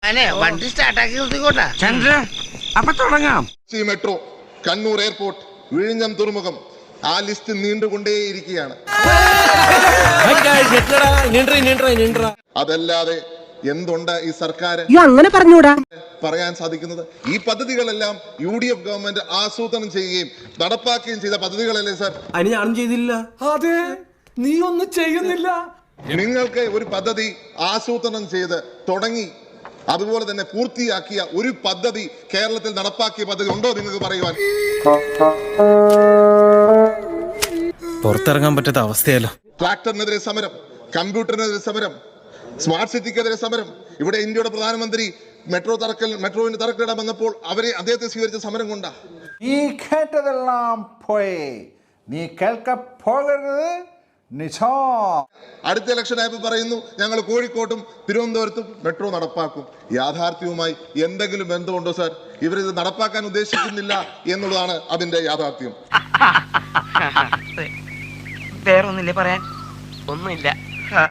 വണ്ടി സ്റ്റാർട്ടാക്കി നിർത്തിക്കോട്ടെ. ചന്ദ്ര, അപ്പൊ തുടങ്ങാം. മെട്രോ, കണ്ണൂർ എയർപോർട്ട്, വിഴിഞ്ഞം തുറമുഖം, ആ ലിസ്റ്റ് നീണ്ടുകൊണ്ടേയിരിക്കുകയാണ്. അതല്ലാതെ എന്തുണ്ട് ഈ സർക്കാർ അങ്ങനെ പറഞ്ഞൂടാ പറയാൻ സാധിക്കുന്നത്? ഈ പദ്ധതികളെല്ലാം UDF ഗവൺമെന്റ് ആസൂത്രണം ചെയ്യുകയും നടപ്പാക്കുകയും ചെയ്ത പദ്ധതികളല്ലേ സാർ? അതിന് ഞാനും ചെയ്തില്ല. അതെ, നീ ഒന്നും ചെയ്യുന്നില്ല. നിങ്ങൾക്ക് ഒരു പദ്ധതി ആസൂത്രണം ചെയ്ത് തുടങ്ങി അതുപോലെ തന്നെ പൂർത്തിയാക്കിയ ഒരു പദ്ധതി കേരളത്തിൽ നടപ്പാക്കിയ പദ്ധതി ഉണ്ടോ നിങ്ങൾക്ക് പറയുവാൻ? പുറത്തിറങ്ങാൻ പറ്റാത്ത അവസ്ഥയല്ലോ. ട്രാക്ടറിനെതിരെ സമരം, കമ്പ്യൂട്ടറിനെതിരെ സമരം, സ്മാർട്ട് സിറ്റിക്കെതിരെ സമരം. ഇവിടെ ഇന്ത്യയുടെ പ്രധാനമന്ത്രി മെട്രോവിന്റെ തറക്കല്ലിടാൻ വന്നപ്പോൾ അദ്ദേഹത്തെ സ്വീകരിച്ച സമരം കൊണ്ടാ. നീ കേട്ടതെല്ലാം പോയി, നീ കേൾക്ക പോകരുത്. അടുത്ത ഇലക്ഷൻ ആയപ്പോൾ പറയുന്നു ഞങ്ങൾ കോഴിക്കോട്ടും തിരുവനന്തപുരത്തും മെട്രോ നടപ്പാക്കും. യാഥാർത്ഥ്യവുമായി എന്തെങ്കിലും ബന്ധമുണ്ടോ സാർ? ഇവരിത് നടപ്പാക്കാൻ ഉദ്ദേശിക്കുന്നില്ല എന്നുള്ളതാണ് അതിന്റെ യാഥാർത്ഥ്യം. വേറൊന്നില്ലേ പറയാൻ? ഒന്നുമില്ല.